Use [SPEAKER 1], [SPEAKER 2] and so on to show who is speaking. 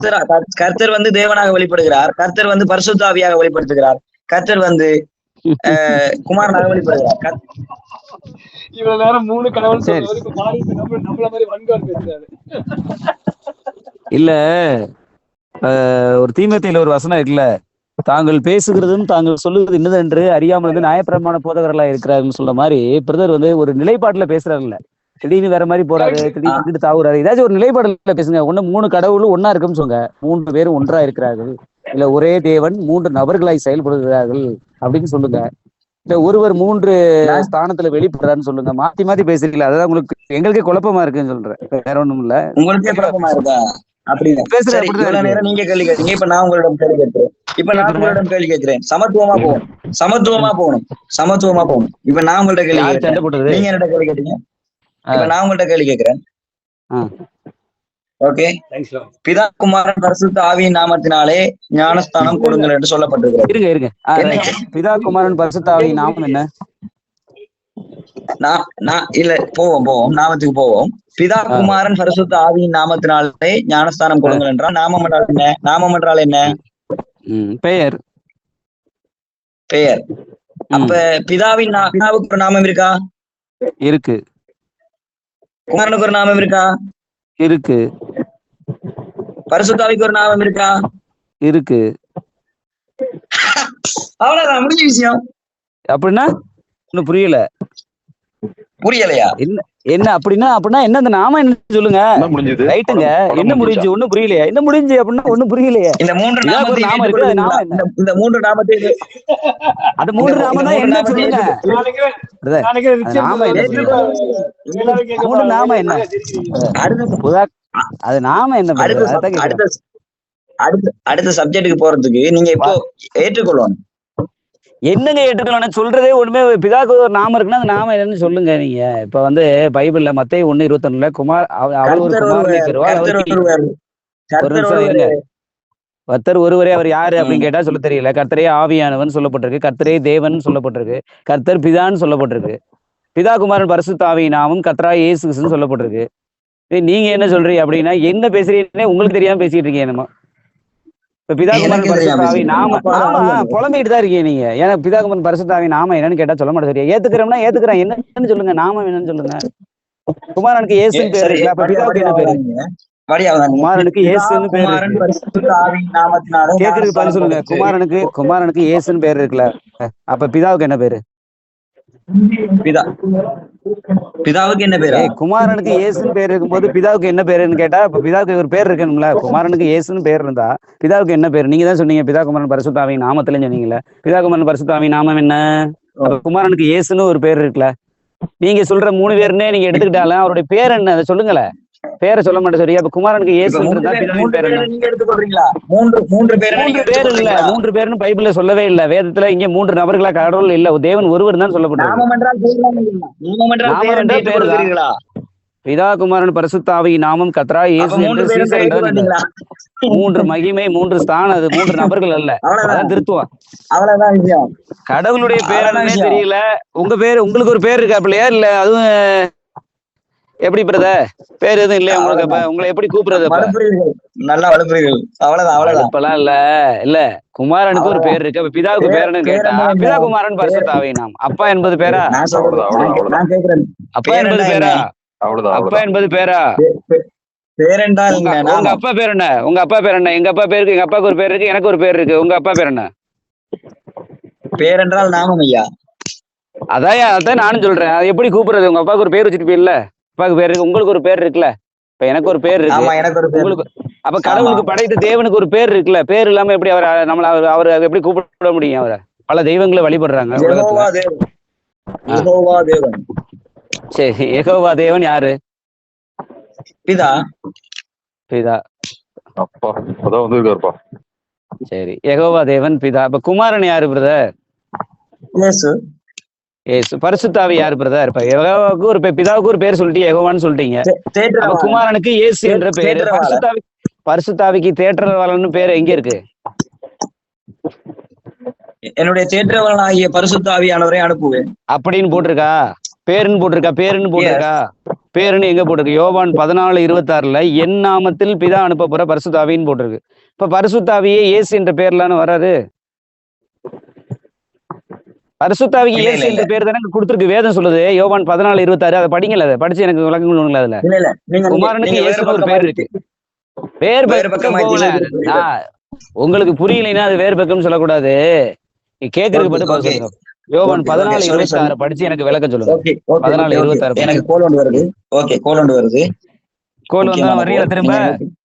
[SPEAKER 1] கர்த்தர் வந்து தேவனாக வெளிப்படுகிறார், கர்த்தர் வந்து பரிசுத்த ஆவியாக வெளிப்படுத்துகிறார், கர்த்தர் வந்து குமாரனாக வெளிப்படுகிறார்.
[SPEAKER 2] இவ்வளவு நேரம் 3 கடவுள் சொன்னவர் இப்ப மாறிட்டு நம்மள மாதிரி வன்கார் பேசுறாரு.
[SPEAKER 3] இல்ல ஒரு தீமோத்தேயுல ஒரு வசனம் இருக்குல்ல, தாங்கள் பேசுகிறதும் தாங்கள் சொல்லுகிறது என்னதென்று அறியாமல் வந்து நியாயப்பிரமாண போதகர்களா இருக்கிறாருன்னு சொல்ற மாதிரி பிரதர் வந்து ஒரு நிலைப்பாட்டுல பேசுறாருல்ல, திடீர்னு வேற மாதிரி போறாரு, திடீர்னு வந்துட்டு தாவுறாரு. ஏதாச்சும் ஒரு நிலைப்பாடுல பேசுங்க. ஒண்ணு 3 கடவுளும் ஒன்னா இருக்குன்னு சொல்லுங்க, 3 பேரும் ஒன்றா இருக்கிறார்கள், இல்ல ஒரே தேவன் 3 நபர்களாய் செயல்படுகிறார்கள் அப்படின்னு சொல்லுங்க, இல்ல ஒருவர் 3 ஸ்தானத்துல வெளிப்படுறாருன்னு சொல்லுங்க. மாத்தி மாத்தி பேசுறீங்களா? அதான் உங்களுக்கு எங்களுக்கே குழப்பமா இருக்குன்னு சொல்றேன், வேற ஒண்ணும் இல்ல.
[SPEAKER 1] உங்களுக்கே குழப்பமா இருக்கா? அப்படின்னு இவ்வளவு நேரம் நீங்க கேள்வி கேட்டீங்க, இப்ப நான் உங்களிடம் கேள்வி கேட்கிறேன். சமத்துவமா போகணும், சமத்துவமா போகணும். இப்ப நான் உங்கள்ட்ட கேள்வி கேட்கிறேன், நீங்க என்னோட கேள்வி கேட்டீங்க, இப்ப நான் உங்கள்ட்ட கேள்வி கேட்கிறேன். ஓகே, பிதா குமாரன் பரிசுத்த ஆவியின் நாமத்தினாலே ஞானஸ்தானம் கொடுங்கள் என்று சொல்லப்பட்டிருக்கிறது.
[SPEAKER 3] இருங்க பிதா குமாரன் பரிசுத்த ஆவியின் நாமம் என்ன?
[SPEAKER 1] இல்ல போவோம் நாமத்துக்கு போவோம். பிதா குமாரன் பரிசுத்த ஆவியின் நாமத்தினாலே ஞானஸ்தானம் கொடுங்கள் என்றால் நாமம் என்றால் என்ன? நாமம் என்றால் என்ன?
[SPEAKER 3] பெயர்.
[SPEAKER 1] அப்ப பிதாவுக்கு ஒரு நாமம் இருக்கா?
[SPEAKER 3] இருக்கு.
[SPEAKER 1] குமாரனுக்கு ஒரு நாமம் இருக்கா?
[SPEAKER 3] இருக்கு.
[SPEAKER 1] பரிசுத்தாவிக்கு ஒரு நாமம் இருக்கா?
[SPEAKER 3] இருக்கு.
[SPEAKER 1] அவ்வளவுதான், முடிஞ்ச விஷயம்.
[SPEAKER 3] அப்படின்னா இன்னும் புரியலையா? என்ன அப்படின்னா என்ன அந்த நாம என்ன சொல்லுங்க? ரைட்டுங்க, என்ன முடிஞ்சு? ஒண்ணும் புரியலையா? என்ன முடிஞ்சு அப்படின்னா ஒண்ணும் புரியலையா?
[SPEAKER 1] இந்த 3 நாமம் இருக்கு, இந்த 3 நாமத்தை
[SPEAKER 3] அது 3 நாமம் தான் என்ன சொல்லுங்க? நாம என்ன? அது நாம என்ன?
[SPEAKER 1] அடுத்த சப்ஜெக்டுக்கு போறதுக்கு நீங்க இப்போ ஏற்றுக்கொள்ளணும்.
[SPEAKER 3] என்னங்க ஏற்றுக்கொள்ளணும்? சொல்றதே ஒண்ணுமே, பிதாக்கு ஒரு நாமம் இருக்குன்னா அந்த நாமம் என்னன்னு சொல்லுங்க. நீங்க இப்ப வந்து பைபிள்ல மத்தேயு 1:21 குமார் அவர் ஒரு குமாரனை பெறுவார். ஒரு நிமிஷம் இருங்க. கர்த்தர் ஒருவரே, அவர் யாரு அப்படின்னு கேட்டா சொல்ல தெரியல. கர்த்தரே ஆவியானவன் சொல்லப்பட்டிருக்கு, கர்த்தரே தேவன் சொல்லப்பட்டிருக்கு, கர்த்தர் பிதான்னு சொல்லப்பட்டிருக்கு, பிதா குமாரன் பரிசுத்த ஆவியின் நாமம் கர்த்தரா இயேசு கிறிஸ்துன்னு சொல்லப்பட்டிருக்கு. நீங்க என்ன சொல்றீங்க அப்படின்னா என்ன பேசுறீங்கன்னே உங்களுக்கு தெரியாம பேசிட்டு இருக்கீங்க. என்னமோ இப்ப பிதாகுமாரன் பரிசுத்த ஆவி நாம புலம்பிட்டு தான் இருக்கீங்க நீங்க. ஏன்னா பிதாகுமாரன் பரிசுத்த ஆவி நாம என்னன்னு கேட்டா சொல்ல மாட்டேன். சரியா ஏத்துக்கிறோம்னா ஏத்துக்கிறேன், என்னன்னு சொல்லுங்க, நாமம் என்னன்னு சொல்லுங்க. குமாரனுக்கு இயேசுன்னு பேரு இருக்குல்ல, அப்ப பிதாவுக்கு என்ன பேரு? குமாரனுக்கு இயேசுன்னு பேரு இருக்கு. கேக்குறதுக்கு பதில் சொல்லுங்க. குமாரனுக்கு இயேசுன்னு பேரு இருக்குல்ல, அப்ப பிதாவுக்கு என்ன பேரு?
[SPEAKER 1] பிதாவுக்கு என்ன பேரு?
[SPEAKER 3] குமாரனுக்கு இயேசுன்னு பேர் இருக்கும்போது பிதாவுக்கு என்ன பேருன்னு கேட்டா இப்ப பிதாவுக்கு ஒரு பேர் இருக்கணும்ல. குமாரனுக்கு இயேசுன்னு பேர் இருந்தா பிதாவுக்கு என்ன பேரு? நீங்க தான் சொன்னீங்க பிதா குமாரன் பரிசுத்த ஆவியின் நாமத்துல சொன்னீங்கல்ல. பிதா குமாரன் பரிசுத்த ஆவியின் நாமம் என்ன? குமாரனுக்கு இயேசுன்னு ஒரு பேர் இருக்குல்ல. நீங்க சொல்ற 3 பேருன்னே நீங்க எடுத்துக்கிட்டாலும் அவருடைய பேர் என்ன அதை சொல்லுங்களேன். பேரை சொல்ல மாட்டேன். சரியா? இப்ப குமாரனுக்கு இயேசு இருந்தா பிதாவின் பேர் என்ன?
[SPEAKER 1] நீங்க எடுத்துக்கொள்றீங்களா? 3
[SPEAKER 3] பேருன்னு பைபிள்ல சொல்லவே இல்ல. வேதத்துல இங்க 3 நபர்களா கடவுள் இல்ல, தேவன் ஒருவர் தான் சொல்லப்பட்டிருக்கு. பிதா குமாரன் பரிசுத்த ஆவியின் நாமம் கர்த்தரா இயேசு என்று 3 மகிமை, 3 ஸ்தானம், அது 3 நபர்கள் அல்ல. அதான் திருத்துவம்.
[SPEAKER 1] அவ்வளவுதான் விஷயம்.
[SPEAKER 3] கடவுளுடைய பேர் என்னன்னே தெரியல. உங்க பேரு, உங்களுக்கு ஒரு பேர் இருக்கா பிள்ளையா? இல்ல அதுவும் எப்படி பிரதர்? பேர் எதுவும் இல்லையா உங்களுக்கு? உங்களை எப்படி கூப்பிடுறது?
[SPEAKER 1] நல்லா வளர்ப்புறீர்கள். அவ்வளவுதான்.
[SPEAKER 3] இப்பெல்லாம் இல்ல குமாரனுக்கு ஒரு பேர் இருக்கு. பிதாவுக்கு பேர் என்னன்னு கேட்டா பிதா குமாரன் பரிசுத்த ஆவியின் நாமம். அப்பா என்பது பேரா? அப்பா என்பது பேரா? அப்பா என்பது பேரா? உங்க அப்பா பேர் என்ன? உங்க அப்பா பேர் என்ன? எங்க அப்பா பேருக்கு, எங்க அப்பாவுக்கு ஒரு பேர் இருக்கு, எனக்கு ஒரு பேர் இருக்கு. உங்க அப்பா பேர் என்ன?
[SPEAKER 1] பேர் என்றால் நாமம் ஐயா.
[SPEAKER 3] அதான் நானும் சொல்றேன். அது எப்படி கூப்பிடுறது? உங்க அப்பாவுக்கு ஒரு பேர் வச்சிருப்பீங்கல்ல, அப்பாவுக்கு பேர் இருக்கு, உங்களுக்கு ஒரு பேர் இருக்குல்ல, இப்ப எனக்கு ஒரு பேர் இருக்கு, உங்களுக்கு. அப்ப கடவுளுக்கு படைத்த தேவனுக்கு ஒரு பேர் இருக்குல்ல, பேர் இல்லாம எப்படி அவர் எப்படி கூப்பிட முடியும்? அவரை பல தெய்வங்களை வழிபடுறாங்க உலகத்துல. சரி, யெகோவா தேவன் யாரு?
[SPEAKER 1] பிதா.
[SPEAKER 3] சரி, யெகோவா தேவன் பிதா. அப்ப குமாரன் யாரு பிரதர்? ஏசு. பரிசுத்த ஆவி யாரு பிரதர்? இப்ப யெகோவாவுக்கு ஒரு பிதாவுக்கு ஒரு பேர் சொல்லிட்டு யெகோவான்னு சொல்லிட்டீங்க. குமாரனுக்கு இயேசு என்ற பேரு. பரிசுத்தாவிக்கு தேற்றரவாளன்னு பேரு எங்க இருக்கு?
[SPEAKER 1] என்னுடைய தேற்றரவாளனாகிய பரிசுத்த ஆவியானவரை அனுப்புவேன்
[SPEAKER 3] அப்படின்னு போட்டிருக்கா? பேருன்னு போட்டிருக்கா? பேருன்னு எங்க போட்டிருக்கு? யோவான் 14:26 என் நாமத்தில் பிதா அனுப்ப போற பரிசுத்தாவின்னு போட்டிருக்கு. இப்ப பரிசுத்தாவியே இயேசு என்ற பேர்லான்னு வராது. பரிசுத்தாவிக்கு இயேசு என்ற பேர் தானே கொடுத்துருக்கு, வேதம் சொல்லுது. யோவான் 14:26 அதை படிங்கல, அதை படிச்சு எனக்கு விளக்கம் சொல்லுங்களா? அதுல குமாரனுக்கு இயேசுன்னு ஒரு பேர் இருக்கு. வேறு பக்கம் போகல. உங்களுக்கு புரியலைன்னா அது வேறு பக்கம்னு சொல்லக்கூடாது. நீ கேட்கறதுக்கு மட்டும் பதில் சொல்லுங்க. யோவான் 14:26 படிச்சு எனக்கு விளக்கம் சொல்லுங்க. 14:26
[SPEAKER 1] எனக்கு கோல் ஒன்று வருது. ஓகே, கோல் ஒன்று வருது.
[SPEAKER 3] கோல் வந்தா வர்றீங்களா திரும்ப?